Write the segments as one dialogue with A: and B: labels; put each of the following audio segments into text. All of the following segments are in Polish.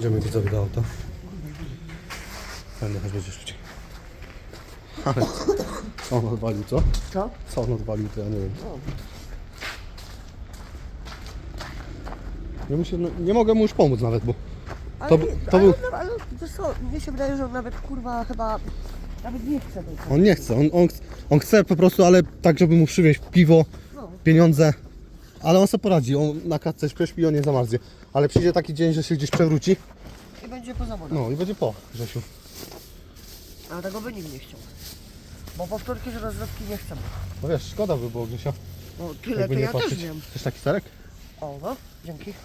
A: Idziemy widzowie do auta. Fajnie, choć będzie szybciej. Ale co on odwalił, co?
B: Co?
A: Co on odwalił, to ja nie wiem. Ja mu się, nie mogę mu już pomóc nawet, bo
B: Ale,
A: to był...
B: ale wiesz co, mnie się wydaje, że on nawet kurwa chyba nawet nie chce tego.
A: On nie chce, on chce po prostu, ale tak, żeby mu przywieźć piwo, pieniądze. Ale on sobie poradzi, on na klatce prześpi, on nie zamarznie. Ale przyjdzie taki dzień, że się gdzieś przewróci.
B: I będzie po zawodach.
A: No i będzie po, Grzesiu.
B: A tego by nikt nie chciał. Bo powtórki z rozrywki nie chcemy.
A: No wiesz, szkoda by było, Grzesia.
B: No tyle
A: Jakby
B: to
A: nie
B: ja
A: patrzeć.
B: też wiem.
A: Chcesz taki serek?
B: O no, dzięki.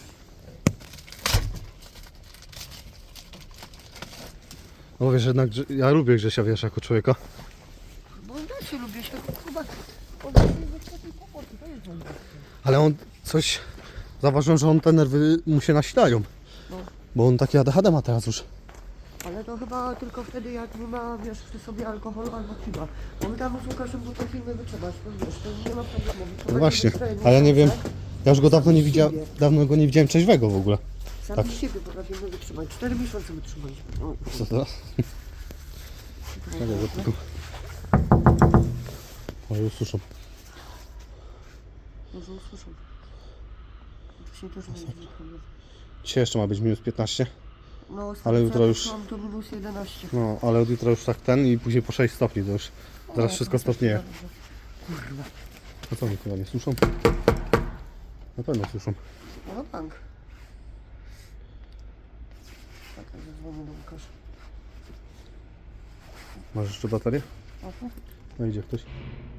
A: No bo wiesz, jednak ja lubię Grzesia, wiesz, jako człowieka.
B: Bo ja się lubię, się chyba... On jest taki kłopot, to jest moim.
A: Ale on coś... Zauważyłem, że on te nerwy mu się nasilają.
B: No.
A: Bo on takie ADHD ma teraz już.
B: Ale to chyba tylko wtedy, jak nie ma, wiesz, przy sobie alkoholu albo piwa. Bo my tam z Łukaszem był te filmy wytrzymać, to wiesz, to nie ma problemu.
A: No właśnie, a ja nie wiem, ja już go dawno go nie widziałem trzeźwego w ogóle.
B: Sami
A: tak.
B: siebie potrafimy wytrzymać. 4 miesiące wytrzymaliśmy. No.
A: Co to? Czekaj, tylko... O, już słyszę.
B: Może usłyszą. Wcześniej też nie wiem.
A: Dzisiaj jeszcze ma być minus 15.
B: No,
A: Ale jutro już...
B: Mam to minus 11.
A: No, ale od jutra już tak ten i później po 6 stopni to już. Zaraz wszystko stopnieje.
B: Kurwa.
A: A co oni chyba nie słyszą? Na pewno słyszą.
B: No bank. Czekaj, zadzwonię do Łukasza.
A: Masz jeszcze baterię?
B: Aha.
A: No idzie ktoś.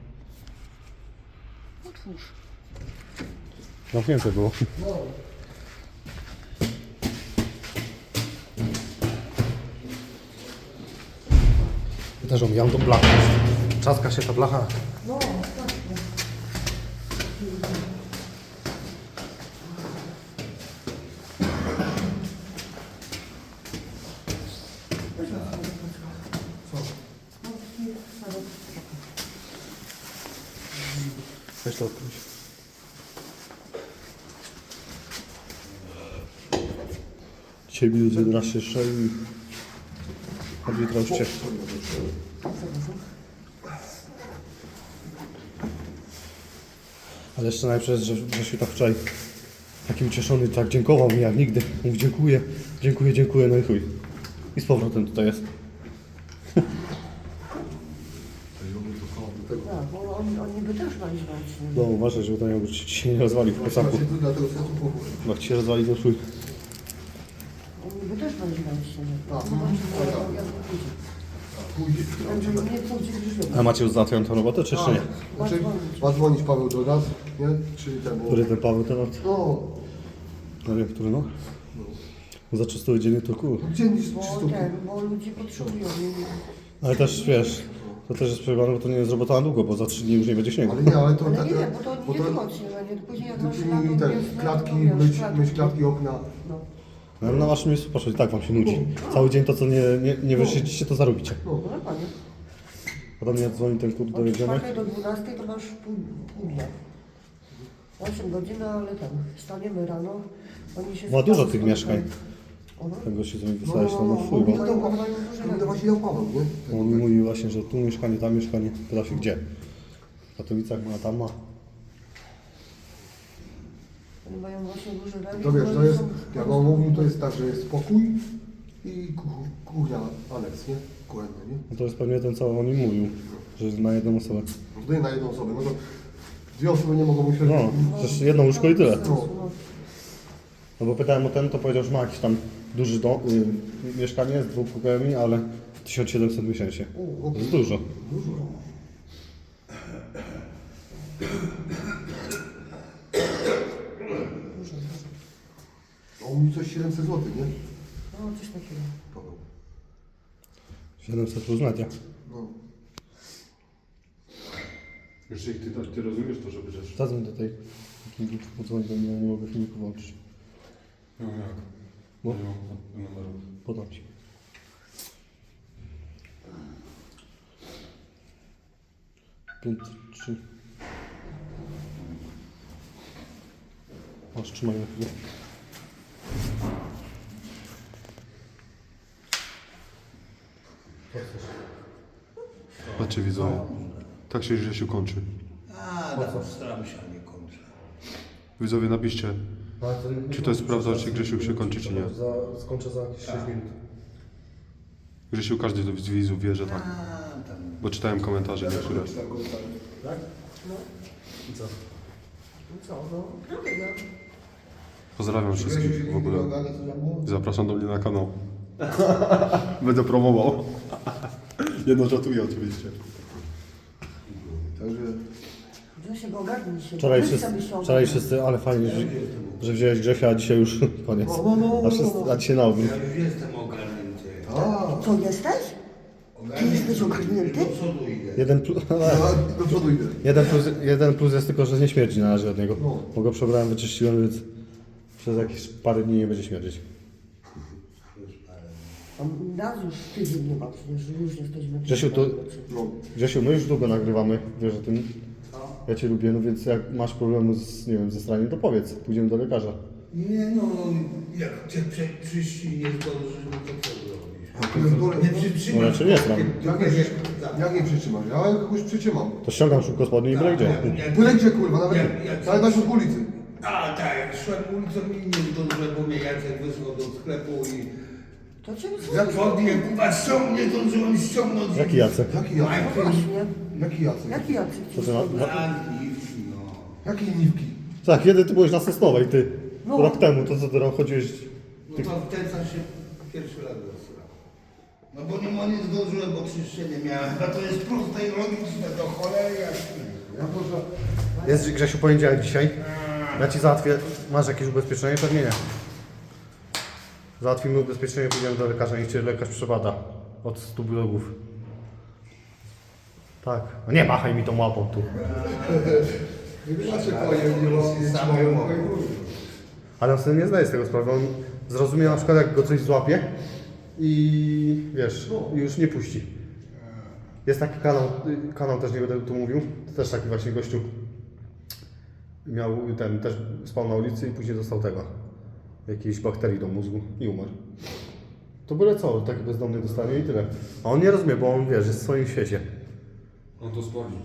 B: Otwórz.
A: Zamknięte było. Ja też omijam tą blachę. Trzaska się ta blacha.
B: No, tak.
A: Weź to odkryć. Dzisiaj minus 11 jeszcze i... Od jutra już ciepło. Ale jeszcze najlepsze jest, że się tak wczoraj taki ucieszony, tak dziękował mi jak nigdy. Mówi dziękuję, dziękuję, dziękuję, no i chuj. I z powrotem tutaj jest.
B: Tak, bo oni by też mali znać.
A: No uważaj, żeby to nie ci nie rozwali w posaku. Bo jak ci się rozwali, to chuj.
B: Oni by też mali znać. Zobaczymy, jak pójdzie. Także nie pójdzie gdzieś.
A: A macie już załatwioną tę robotę, czy jeszcze nie?
C: Znaczy, ma dzwonić Paweł do nas, nie? Czyli temu...
A: Który ten Paweł temat?
C: No,
A: No wiem, który no? Za 300 dziennie to kur.
C: gdzie nic
B: Bo
C: czysto...
B: bo ludzie potrzebują.
A: Ale też wiesz, to też jest przejebane, bo to nie jest robota na długo, bo za 3 dni już nie będzie śniegu.
C: Ale nie, ale to...
B: Ale nie, bo to nie tylko odśnieżanie, później jak masz lato,
C: I ten,
B: wiosnę,
C: klatki,
B: to wiesz,
C: myć klatki, okna.
B: No.
A: No, na waszym miejscu poszło i tak wam się nudzi. Cały dzień to co nie wyszycicie, to zarobicie.
B: No dokładnie.
A: Potem jak dzwoni ten kurde
B: Od
A: dojedziemy.
B: 4 do 12 to masz pół dnia. 8 godzin, ale tam wstaniemy rano. Oni się
A: Ma dużo
B: sprawdzają.
A: tych mieszkań.
B: Aha.
A: Tego się z nimi wysłałeś, no chuj,
C: To
A: bo
C: to właśnie dał Paweł, nie?
A: on mi mówi właśnie, że tu mieszkanie, tam mieszkanie. Pyta się gdzie. W Katowicach ma, tam ma.
B: Oni mają właśnie duży remis.
C: To wiesz,
B: bo
C: to
B: oni
C: jest,
B: są-
C: jak on mówił, to jest tak, że jest spokój i kuchnia, aneks, nie? Kuchenny, nie?
A: No to jest pewnie ten, co on mi mówił, że jest na jedną osobę.
C: No to nie na jedną osobę, no to dwie osoby nie mogą myśleć.
A: No, przecież jedno łóżko i tyle.
B: No.
A: No bo pytałem o ten, to powiedział, że ma jakiś tam duży dom, mieszkanie z 2 pokojami, ale 1700 miesięcznie. To jest dużo.
C: On mówi coś 700 zł, nie?
B: No coś takiego.
C: Paweł.
A: 700 plus media.
C: No.
D: Jeszcze jak ty rozumiesz to, żeby też...
A: Zadzwoń do tej Kingi, podzwoń do mnie, nie mogę filmiku włączyć.
D: No jak?
A: Bo?
D: Nie mam numeru.
A: Podam ci. Pięć, 3. Masz, trzymaj na chwilę.
D: Tak się Grzesiu kończy.
E: Staram się, a nie kończę.
D: Widzowie, napiszcie, czy to jest prawda, czy Grzesiu się kończy, czy nie.
C: Skończę za jakieś 6 minut.
D: Grzesiu, każdy z widzów wie, że tak. Bo czytałem komentarze niektóre.
C: Tak?
B: I co, no, robię, ja.
D: Pozdrawiam wszystkich w ogóle. Zapraszam do mnie na kanał. Będę promował. Jedno żartuję oczywiście.
C: Także
B: Grzesiek, ogarnij się.
A: Wczoraj
B: Weź
A: wszyscy,
B: sobie się
A: wczoraj
B: ogarnij.
A: wszyscy, ale fajnie, że wziąłeś Grzesia, a dzisiaj już koniec. A dzisiaj na odwrót.
E: Ja już jestem ogarnięty.
B: Co, jesteś? Ty jesteś ogarnięty?
E: Do przodu idę.
C: do przodu idę.
A: Jeden plus jest tylko, że nie śmierdzi na razie od niego.
C: No.
A: Bo go przebrałem, wyczyściłem, więc przez jakieś parę dni nie będzie śmierdzić.
B: A nas już tydzień nie ma, przecież już jesteśmy...
A: Grzesiu,
C: No.
A: Grzesiu, my już długo nagrywamy, wiesz o tym. Ja Cię lubię, no więc jak masz problemy z, nie wiem, ze straniem, to powiedz, pójdziemy do lekarza.
E: Nie no, jak cię przyszli nie zdążysz, no to co zrobisz? Nie
A: No
E: przytrzymasz.
A: raczej nie znam.
C: Jak nie przytrzymasz? Ja kogoś przytrzymam.
A: To ściągam szybko spodnie i byle gdzie.
C: Byle gdzie kurwa, nawet
E: Jak-
C: na środku ulicy.
E: A tak, jak szłem ulicą i nie zdążyłem, bo mnie Jacek wysłał do sklepu i...
B: To cię
E: Jak spodnie, kurwa, nie zdążyłem ściągnąć.
A: Jaki Jacek?
C: Jaki
B: No
C: Jacek?
B: właśnie.
C: Jaki Jacek?
B: Jaki Jacek?
A: Co ty na...
E: No.
C: Jakiej niwki?
A: Tak, kiedy ty byłeś na Sosnowej, ty?
B: No.
A: Rok temu, to co ty rok chodziłeś...
E: No to w ten sam się pierwszy raz zasrał. No bo nie zdążyłem, bo czyszczenie miałem. A to jest proste i logiczne, do cholery jasne.
C: Ja proszę.
A: Jest Grzesiu poniedziałek dzisiaj. Ja Ci załatwię. Masz jakieś ubezpieczenie? Pewnie nie. Załatwimy ubezpieczenie, pójdziemy do lekarza, niech Cię lekarz przebada. Od 100 blogów. Tak. No nie machaj mi tą łapą tu.
C: Ja się powiem, nie mam.
A: Ale on sobie nie zdaje z tego sprawy. On zrozumie na przykład, jak go coś złapie i wiesz, i już nie puści. Jest taki kanał też nie będę tu mówił, to też taki właśnie gościu. Miał też spał na ulicy i później dostał tego. Jakiejś bakterii do mózgu i umarł. To byle co, taki bezdomny dostanie i tyle. A on nie rozumie, bo on wiesz, jest w swoim świecie.
D: On to sprawdzi.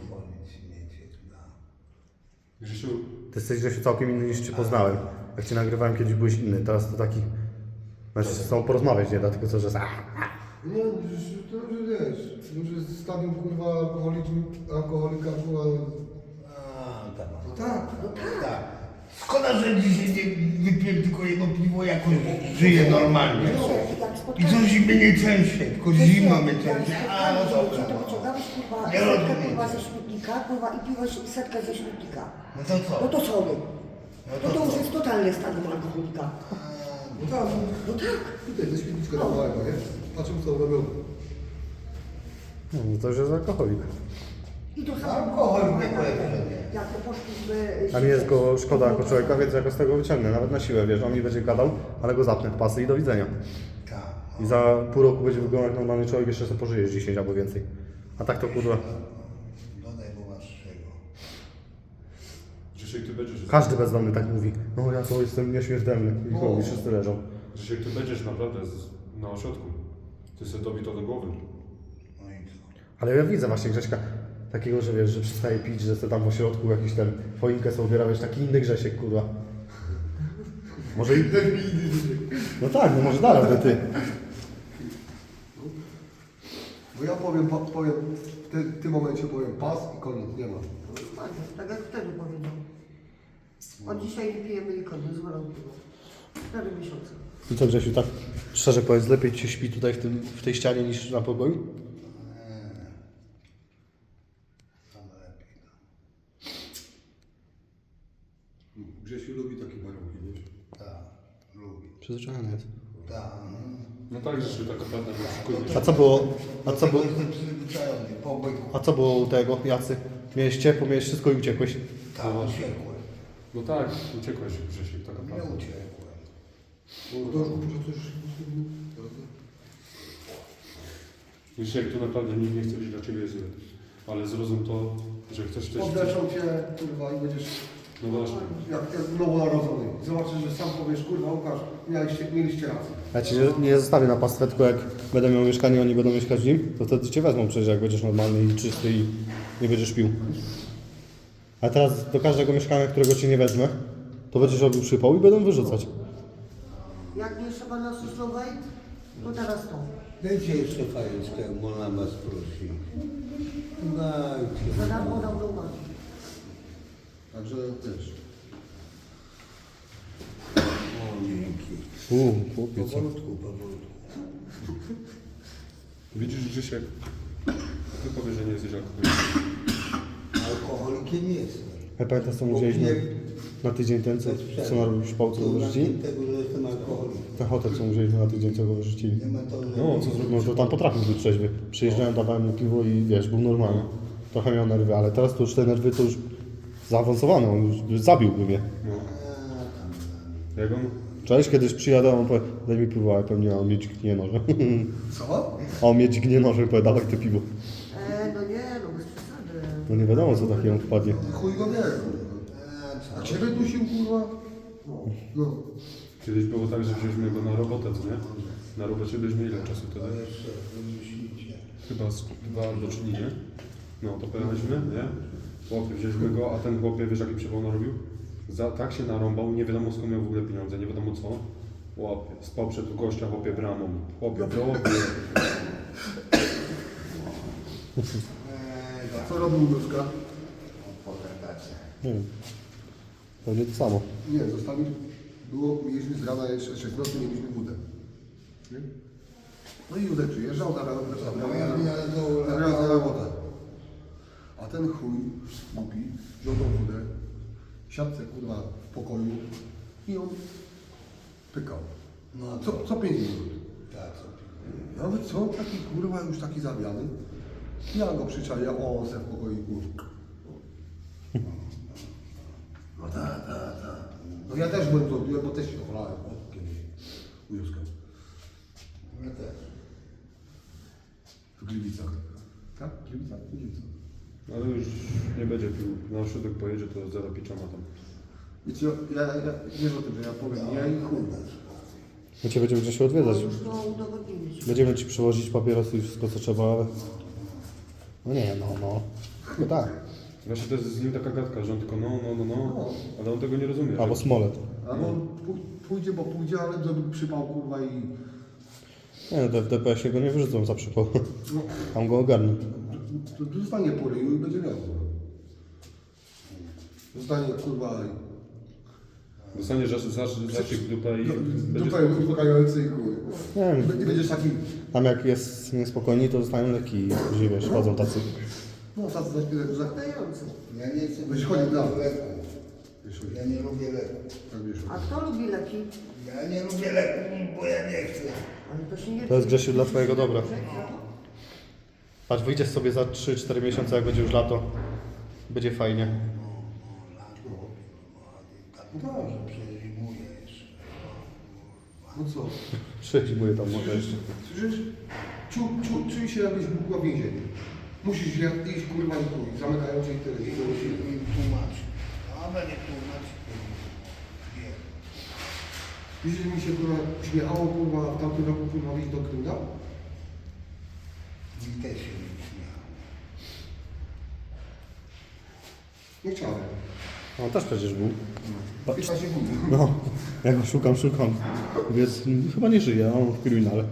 D: Grzesiu,
A: Ty jesteś Grzesiu całkiem inny niż Cię poznałem. Jak Cię nagrywałem kiedyś byłeś inny, teraz to taki... Znaczy z tobą porozmawiać nie da, tylko co, że...
C: Nie, to już wiesz, już jest stadium kurwa alkoholika, kurwa.
E: No tak, tak. Szkoda, że dzisiaj nie wypiłem tylko jedno piwo, jakoś żyję normalnie. I co zimę nie częściej, tylko zima mnie częściej. A, no dobra.
B: To wyciągałeś kurwa
E: Nie
B: setkę
E: rozumiem.
B: kurwa ze śmietnika, kurwa i piłeś setkę ze śmietnika.
E: No to co?
B: No to sorry. No to już jest totalne stadium alkoholika.
C: No tak,
B: No tak.
C: tutaj ze świetliczka dawałem, nie? Patrzymy co robią.
A: No to już jest alkoholik.
B: I to samo.
E: Alkohol nie polecam.
B: Jak poszliśmy...
A: A mi jest go szkoda jako człowieka, więc ja go z tego wyciągnę, nawet na siłę, wiesz, on mi będzie gadał, ale go zapnę w pasy i do widzenia.
E: Tak.
A: I za pół roku będzie wyglądał jak normalny człowiek, jeszcze sobie pożyjesz 10 albo więcej. A tak to kurwa,
E: Dodaj, bo masz czego.
D: Grzesiek, ty będziesz...
A: każdy bezdomny tak mówi. No ja to jestem nieśmiertelny i chuj, wszyscy leżą.
D: Grzesiek, ty będziesz naprawdę na ośrodku. Ty sobie dobi to do głowy.
E: No i co?
A: Ale ja widzę właśnie Grześka takiego, że wiesz, że przestaje pić, że sobie tam w ośrodku jakiś ten choinkę sobie ubiera, wiesz, taki inny Grzesiek, kurwa. Może i... No tak, no może dalej, ty.
C: Bo ja powiem, w tym momencie powiem pas i koniec, nie ma.
B: Tak jak wtedy powiedział. Od dzisiaj nie pijemy i koniec, zwalam piwo. 4 miesiące.
A: I co Grzesiu, tak szczerze powiedz, lepiej Ci się śpi tutaj w tej ścianie niż na pokoju?
E: Tam lepiej.
C: Grzesiu lubi takie warunki, wiesz?
E: Tak, lubię.
A: Przyzwyczajony jest.
E: Tak.
D: No tak, Grzesiu, tak naprawdę nie oszukujesz.
A: A co było,
E: Jestem przyzwyczajony, pobyt.
A: a co było u tego, Jacy? Miałeś ciepło, miałeś wszystko i uciekłeś.
E: Tak, uciekłem.
D: No tak, uciekłeś, Grzesiek, tak
E: Nie
D: naprawdę.
E: uciekłem.
D: Grzesiek, tu naprawdę nikt nie chce być dla Ciebie zły. Ale zrozum to, że chcesz też...
C: Podleczą cię, kurwa, i będziesz
D: No właśnie.
C: jak nowonarodzony. Zobaczysz, że sam powiesz, kurwa, Łukasz, mieliście rację.
A: Ja Ci nie zostawię na pastwę, tylko jak będę miał mieszkanie, oni będą mieszkać w nim, to wtedy Cię wezmą przecież, jak będziesz normalny i czysty i nie będziesz pił. A teraz do każdego mieszkania, którego ci nie wezmę, to będziesz robił przypał i będą wyrzucać.
B: Jak nie trzeba na Sosnowej, to teraz to.
E: Dajcie jeszcze fajeczkę, jak można was prosić. Dajcie.
B: Za darmo dam do uwagi.
C: Także też.
E: O, dzięki.
A: Chłopie, co?
E: Powolutku.
D: Widzisz, Grzesiek? Ty powiesz, że nie jesteś alkoholikiem.
E: Alkoholikiem nie jestem.
A: Ja pamiętasz, co mówiliśmy na tydzień ten, co narobił szpał, co go wyrzucili?
E: tego, że jestem alkoholikiem.
A: Ten hotel, co mówiliśmy na tydzień, co go wyrzucili.
E: Nie ma to, że...
D: No, co zrobił?
A: No to tam potrafił być trzeźwy. Przyjeżdżałem, dawałem mu piwo i wiesz, był normalny. Trochę miał nerwy, ale teraz to już te nerwy to już zaawansowane, on już zabiłby mnie.
D: No. Jak on?
A: Cześć, kiedyś przyjadę, on powie, daj mi piwo, a ja pewnie on mnie dźgnie nożem.
C: Co?
A: A on mnie dźgnie nożem, powie, dawaj to piwo.
B: No nie, no bez przesady.
A: No nie wiadomo, co takiemu wpadnie.
C: Chuj go wie. A ciebie dusił, kurwa? No.
D: Kiedyś było tak, że wzięliśmy go na robotę, co nie? Na robocie byliśmy ile czasu wtedy? Chyba z 2 albo 3 dni, nie? No to pojechaliśmy, nie? Chłopie, wzięliśmy go, a ten chłopie, wiesz jaki przypał narobił? Tak się narąbał, nie wiadomo skąd miał w ogóle pieniądze, nie wiadomo co. Chłopie, spał przed gościa, chłopie bramą. Chłopie,
C: Co robił Nóżka?
A: Nie wiem. Pewnie to samo.
C: Nie, zostali... Mieliśmy z rana jeszcze 6 nocy, mieliśmy wódę. Nie? No i Józek przyjeżdżał, zabrał na robotę. A ten chuj, głupi, wziął tą wódę, siadce kurwa w pokoju i on pykał.
E: No,
C: Co 5 minut.
E: tak, co?
C: Ja mówię, co taki kurwa już taki zawiany? Ja go przyczaję, o, se w pokoiku. No tak. No ja też byłem to, bo też się ocholałem kiedyś u Józka.
E: Ja też.
C: W Gliwicach. Tak? W Gliwicach? W Gliwicach.
D: Ale już nie będzie pił. Na ośrodek pojedzie, to zero piczama tam.
C: Wiecie, ja wiesz o tym, że ja powiem, ja i chuj.
A: My cię będziemy gdzieś odwiedzać.
B: Już to udowodniliśmy.
A: Będziemy ci przywozić papierosy i wszystko co trzeba, ale... No nie, no. No tak.
D: Właśnie to jest z nim taka gadka, że on tylko no, ale on tego nie rozumie.
A: Albo
D: że-
A: smolet.
C: Albo on pójdzie, bo pójdzie, ale zrobił przypał kurwa i...
A: Nie, w DPS-ie go nie wyrzucą za przypał.
C: No,
A: Tam go ogarnę.
C: to zostanie po ryju i będzie miał. Zostanie kurwa...
D: Dostanie zastrzyk w dupę i będzie...
C: Dupę uspokajający i chuj.
A: Nie wiem,
C: Nie będziesz taki...
A: tam jak jest niespokojni, to dostają leki i później wiesz, chodzą tacy.
C: No, tacy za...
B: Dający.
E: Ja nie chcę
C: Byś chodził
E: brać
C: dalej.
E: leku. Ja nie lubię leku.
C: Tak wiesz.
B: A kto lubi leki?
E: Ja nie lubię leku, bo ja nie chcę.
B: Ale to się nie...
A: To jest, Grzesiu, dla twojego dobra. Patrz, wyjdziesz sobie za 3-4 miesiące, jak będzie już lato. Będzie fajnie.
E: Tak, może przezimuję jeszcze.
C: No co?
A: Przezimuję tam może jeszcze.
C: Słyszysz? Czuj się jakbyś był w więzieniu. Musisz iść kurwa i chuj. Zamykają cię i tyle.
E: I musisz mi tłumaczyć. A będzie tłumaczyć. Nie.
C: Widzisz, że mi się kurwa śmiechało kurwa w tamtym roku kurwa wyjść do Krymna?
E: Mi też się nie śmiało.
C: Nie chciałem.
A: On też przecież był.
C: 15 sekund.
A: No, ja go szukam. Więc chyba nie żyje, a on w kryminale.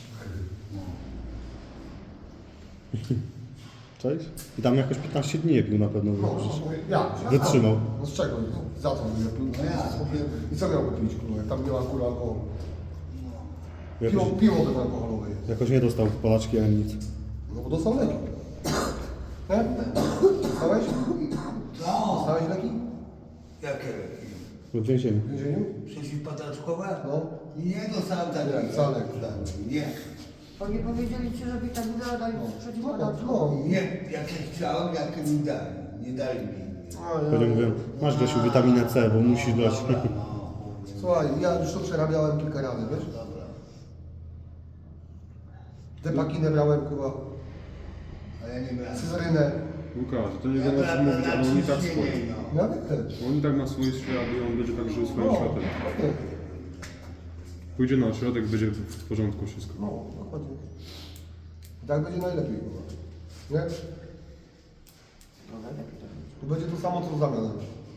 A: Cześć? I tam jakoś 15 dni nie pił na pewno.
C: No, ja.
A: Wytrzymał.
C: No z czego? Za co?
E: No ja.
C: I co miałby pić kurwa? Jak tam nie ma kurwa alkoholu?
A: Jakoś,
C: Piwo bezalkoholowe jest.
A: jakoś nie dostał palaczki ani nic.
C: No bo dostał leki. Nie? Dostałeś?
E: Co?
C: Dostałeś leki?
E: Jakie leki?
A: W więzieniu.
C: W więzieniu?
E: Przeciwpadaczkowe?
C: No.
E: Nie dostałem takiego.
C: Nie, wcale.
E: Nie.
B: Oni powiedzieli ci, że witaminę dali przeciwpadaczką.
C: No.
E: Nie, jakie chciałem, jakie mi dali. Nie dali mi.
A: Pewnie mówię, masz Grzesiu witaminę C, bo musisz dać.
C: Słuchaj, ja już to przerabiałem kilka razy, wiesz?
E: Dobra.
C: Depakinę brałem kurwa,
E: A ja nie brałem.
C: cyzarynę.
D: Łukasz, to nie
E: Ja
D: wiadomo co
E: brałem
D: mówić, ale on i tak
E: ciśnienie,
D: swoje.
E: no.
C: Nawet też.
D: On i tak ma swój świat i on będzie tak żył swoim światem.
C: okej.
D: Pójdzie na ośrodek, będzie w porządku wszystko.
C: No, dokładnie. I tak będzie najlepiej kurwa. Nie?
B: No najlepiej tak będzie.
C: Tu będzie to samo co z zamianem.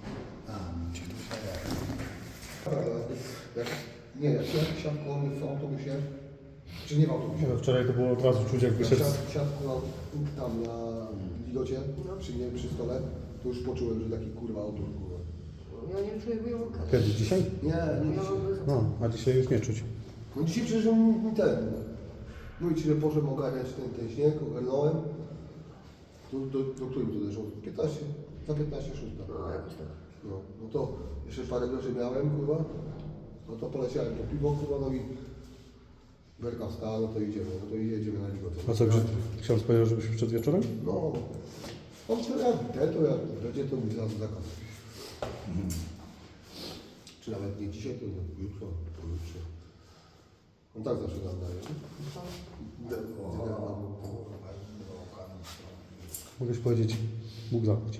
C: Nie, jak siadł koło mnie w autobusie, czy nie w autobusie?
A: No, wczoraj to było od razu czuć, jak wyszedł.
C: Siadł tam na widocie, przy nie przy stole, to już poczułem, że taki kurwa autor, kurwa.
B: Ja nie czuję wyjątka.
A: Kiedy? Dzisiaj?
C: Nie, nie
B: Ja
C: dzisiaj.
B: mam bez...
A: No, a dzisiaj już nie czuć.
C: No dzisiaj przecież mi ten, mówię ci, że poszedłem ogarniać ten śnieg, ogarnąłem. Do którym to zeszło? 15, za 15, 6.
B: No jakoś tak.
C: No to jeszcze parę groszy miałem, kurwa. No to poleciałem po piwo, kurwa, no i Berka wstała, no to idziemy, jedziemy na Ligotę.
A: A co, ksiądz powiedział, żebyśmy przed wieczorem?
C: No, on to jak będzie to mi zaraz zakaz. Czy nawet nie dzisiaj, to jutro, pojutrze. On tak zawsze nam daje.
A: Mogłeś powiedzieć, Bóg zapłać.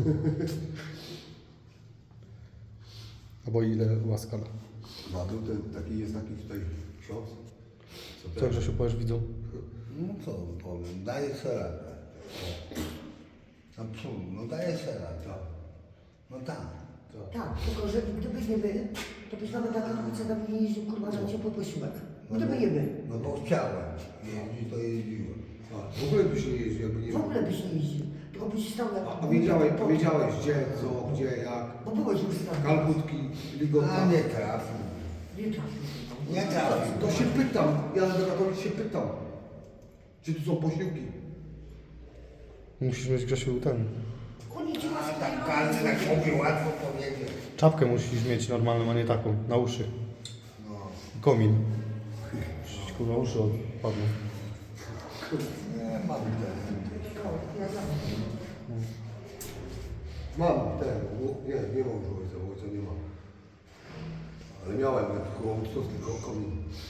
A: Albo ile łaska da.
C: No a był jest taki tutaj ksiądz.
A: Co, Grzesiu, powiesz widzom?
E: No co powiem, daję sobie radę. Absolutnie, no daję sobie radę. No tak.
B: Tak, tylko że gdybyś nie był, to byś nawet na Katowicę tam nie jeździł, kurwa, na ciepły posiłek. Gdyby nie był.
E: No bo chciałem jeździć, to jeździłem.
C: W ogóle byś nie jeździł, jakby nie
B: W ogóle byś nie jeździł. Tylko byś stał jak...
C: A wiedziałeś gdzie, co, gdzie, jak.
B: Bo byłeś już tam.
C: Kalbutki, Ligota.
E: A nie trafił.
B: Nie trafił.
E: Nie trafił.
C: To się pytam, ja na Katowic się pytam. Czy tu są posiłki?
A: Musisz mieć, Grzesiu, ten...
B: Oni ci
E: A
B: łaski
E: tam
B: nie
E: każdy
B: robią.
E: tak mówi, łatwo powiedzieć.
A: Czapkę musisz mieć normalną, a nie taką, na uszy.
E: No.
A: Komin. Ci, kurwa, uszy odpadną.
E: Nie, mam ten.
B: Ja znam.
C: Mam ten, nie mam już ojca, bo ojca nie ma. Ale miałem, jak koło Wysockiego komin.